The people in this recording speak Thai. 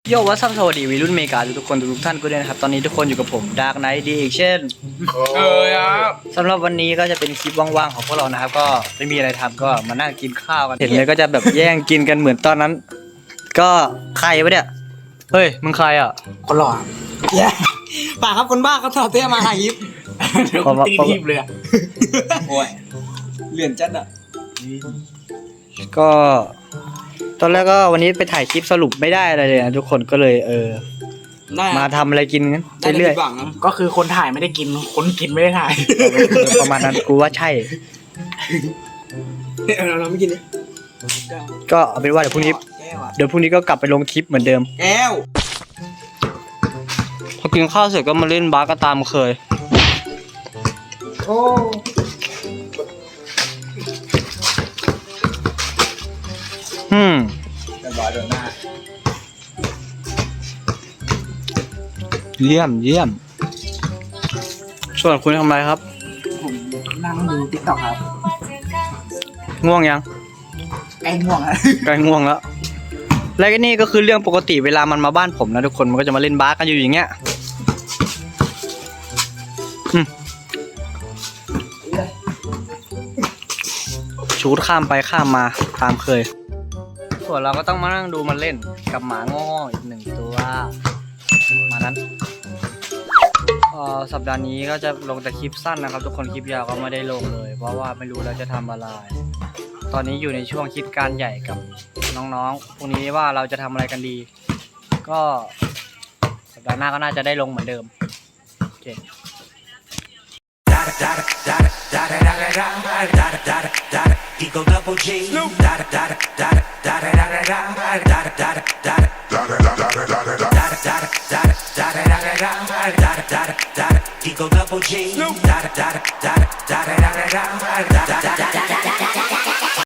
โยวัสสวัสดีวัยรุ่นเมกาทุกคนทุกท่านก็ด้วยนะครับตอนนี้ทุกคนอยู่กับผมดาร์กไนท์ดีอีกเช่นครับสำหรับวันนี้ก็จะเป็นคลิปว่างๆของพวกเรานะครับก็ไม่มีอะไรทำก็มานั่งกินข้าวกันเห็นเลยก็จะแบบแย่งกินกันเหมือนตอนนั้น ก็ใครวะเนี่ยเฮ้ยมึงใครอ่ะคนหล่อป่าครับคนบ้าเขาถอดเสื้อมาถ่ายคลิปเดี๋ยวตีทีบเลยอ่ะโอ้ยเลื่อนจัดอ่ะก็ตอนแรกก็วันนี้ไปถ่ายคลิปสรุปไม่ได้อะไรเลยนะทุกคนก็เลยมาทำอะไรกินกันเรื่อยๆก็คือคนถ่ายไม่ได้กินคนกินไม่ได้ถ่ายๆประมาณนั้นกูว่าใช่เราไม่กินเลยก็เอาเป็นว่าเดี๋ยวพรุ่งนี้ก็กลับไปลงคลิปเหมือนเดิมแก้วพอกินข้าวเสร็จก็มาเล่นบาสก็ตามเคยโอ้เรียบร้อยโดนหน้าเยี่ยมส่วนคุณทำอะไรครับผมนั่งดูติ๊กต็อกครับง่วงยังใกล้ง่วงแล้วใกล้ง่วงแล้วและก็นี่ก็คือเรื่องปกติเวลามันมาบ้านผมนะทุกคนมันก็จะมาเล่นบาสกันอยู่อย่างเงี้ยชูดข้ามไปข้ามมาตามเคยส่วนเราก็ต้องมานั่งดูมันเล่นกับหมาโง่อีกหนึ่งตัวมานั้นสัปดาห์นี้ก็จะลงแต่คลิปสั้นนะครับทุกคนคลิปยาวก็ไม่ได้ลงเลยเพราะว่าไม่รู้เราจะทำอะไรตอนนี้อยู่ในช่วงคิดการใหญ่กับน้องๆพรุ่งนี้ว่าเราจะทำอะไรกันดีก็สัปดาห์หน้าก็น่าจะได้ลงเหมือนเดิมโอเคEagle Double G. Eagle Double G.